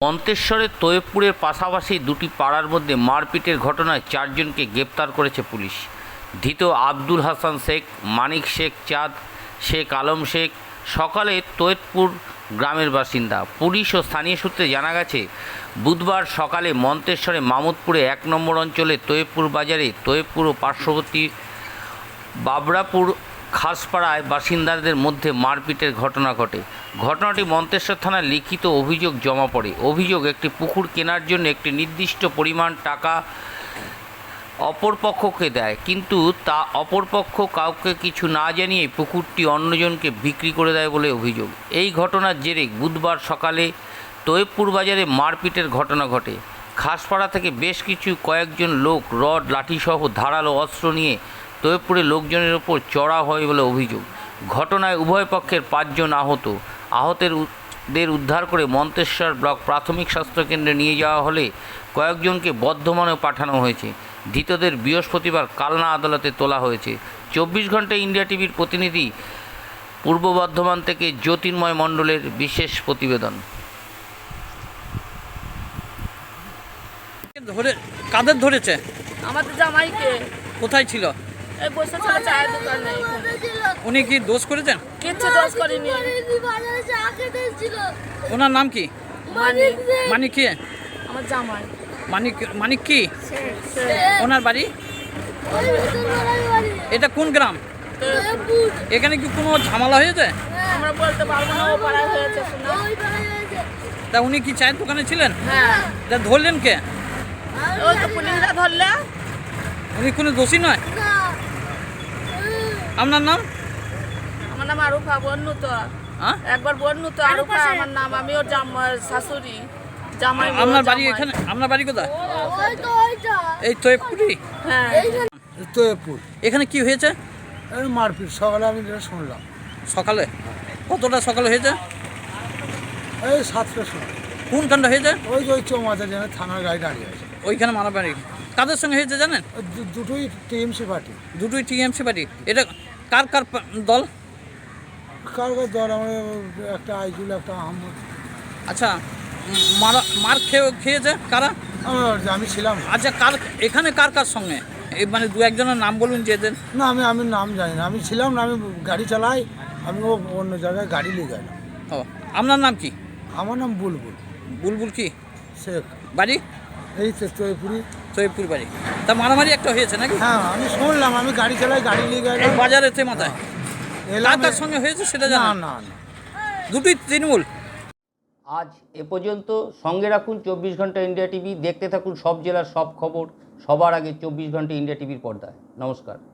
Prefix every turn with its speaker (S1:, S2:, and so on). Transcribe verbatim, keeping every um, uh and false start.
S1: মন্তেশ্বরের তৈয়বপুরের পাশাপাশি দুটি পাড়ার মধ্যে মারপিটের ঘটনায় চারজনকে গ্রেপ্তার করেছে পুলিশ। ধৃত আব্দুল হাসান শেখ, মানিক শেখ চাঁদ, শেখ আলম শেখ সকালে তৈয়বপুর গ্রামের বাসিন্দা। পুলিশ ও স্থানীয় সূত্রে জানা গেছে, বুধবার সকালে মন্তেশ্বরে মামুদপুরে এক নম্বর অঞ্চলে তৈয়বপুর বাজারে তৈয়বপুর ও পার্শ্ববর্তী বাবরাপুর খাসপাড়ায় বাসিন্দাদের মধ্যে মারপিটের ঘটনা ঘটে। ঘটনাটি মন্তেশ্বর থানায় লিখিত অভিযোগ জমা পড়ে। অভিযোগ, একটি পুকুর কেনার জন্য একটি নির্দিষ্ট পরিমাণ টাকা অপরপক্ষকে দেয়, কিন্তু তা অপরপক্ষ কাউকে কিছু না জানিয়ে পুকুরটি অন্যজনকে বিক্রি করে দেয় বলে অভিযোগ। এই ঘটনার জেরে বুধবার সকালে তৈয়বপুর বাজারে মারপিটের ঘটনা ঘটে। খাসপাড়া থেকে বেশ কিছু কয়েকজন লোক রড, লাঠিসহ ধারালো অস্ত্র নিয়ে তৈয়বপুরের লোকজনের ওপর চড়া হয় বলে অভিযোগ। ঘটনায় উভয় পক্ষের পাঁচজন আহত। আহতদের উদ্ধার করে মন্তেশ্বর ব্লক প্রাথমিক স্বাস্থ্যকেন্দ্রে নিয়ে যাওয়া হলে কয়েকজনকে বর্ধমানে পাঠানো হয়েছে। ধৃতদের বৃহস্পতিবার কালনা আদালতে তোলা হয়েছে। চব্বিশ ঘন্টা ইন্ডিয়া টিভির প্রতিনিধি পূর্ব বর্ধমান থেকে জ্যোতির্ময় মণ্ডলের বিশেষ প্রতিবেদন।
S2: ধরে কাদের ধরেছে?
S3: আমাদের জামাইকে।
S2: কোথায় ছিল?
S3: এই বসে ছিল চায়ের দোকানে।
S2: উনি কি দোষ করেছেন?
S3: কিচ্ছু দোষ করিনি।
S2: ওনার নাম কি?
S3: মানিক।
S2: মানিক কি?
S3: আমার জামাই।
S2: মানিক মানিক কি? ওনার বাড়ি? এটা কোন গ্রাম? এখানে কি কোনো ঝামেলা হয়েছে?
S3: আমরা বলতে পারবো না, ও পাড়ায় হয়েছে শোনা।
S2: তা উনি কি চায়ের দোকানে ছিলেন?
S3: হ্যাঁ।
S2: তা ধরলেন কে?
S3: ওই তো পুলিশরা ধরলে।
S2: উনি কোনো দোষী নয়? আপনার নাম?
S3: আমার নাম আরুফা বন্নু তো।
S2: হ্যাঁ?
S3: একবার বন্নু তো আরুফা আমার নাম। আমি ওর জামাই শাশুড়ি। জামাই।
S2: আপনার বাড়ি এখানে? আপনার বাড়ি কোথায়? এই তৈয়বপুরি?
S3: হ্যাঁ।
S4: তৈয়বপুর।
S2: এখানে কি হয়েছে?
S4: এই মারপিট সকালে আমি যেটা শুনলাম।
S2: সকালে? কতটা সকালে হয়েছে?
S4: এই সাতটার সময়।
S2: কোনখানটা হয়েছে?
S4: ওই যে ওই চৌমাথা যেন থানার গাড়ি দাঁড়িয়ে আছে
S2: ওইখানে মারামারি কাদের সঙ্গে হয়েছে জানেন?
S4: ওই দু- দুটোই টিএমসি পার্টি।
S2: দুটোই টিএমসি পার্টি। এটা কার কার পা- দল?
S4: কার কার দল? আমার একটা আইজুল, একটা আহমদ।
S2: আচ্ছা, উম, মারা মার খেয়ে খেয়েছে কারা?
S4: আমার আমি ছিলাম না।
S2: আচ্ছা, কার এখানে কার কার সঙ্গে? এই মানে দু একজনের নাম বলুন যে এদের।
S4: না, আমি আমি নাম জানি না। আমি ছিলাম না, আমি গাড়ি চালাই। আমি ও অন্য জায়গায় গাড়ি নিয়ে গেলাম।
S2: ও, আপনার নাম কি?
S4: আমার নাম বুলবুল
S2: বুলবুল কি?
S4: শেখ।
S2: বাড়ি?
S4: এই তো তৈয়বপুরি।
S2: তৈয়বপুর বাড়ি। তা মারামারি একটা হয়েছে নাকি?
S4: হ্যাঁ, আমি শুনলাম। আমি গাড়ি চালাই, গাড়ি নিয়ে
S2: এই
S4: গেলাম।
S2: বাজারেতে মাথায়
S4: এলাম।
S2: কার কার সঙ্গে হয়েছে সেটা
S4: না
S2: জানেন?
S4: না না।
S2: দুটোই তৃণমূল।
S1: আজ এ পর্যন্ত। সঙ্গে রাখুন চব্বিশ ঘন্টা ইন্ডিয়া টিভি। দেখতে থাকুন সব জেলার সব খবর সবার আগে চব্বিশ ঘন্টা ইন্ডিয়া টিভির পর্দায়। নমস্কার।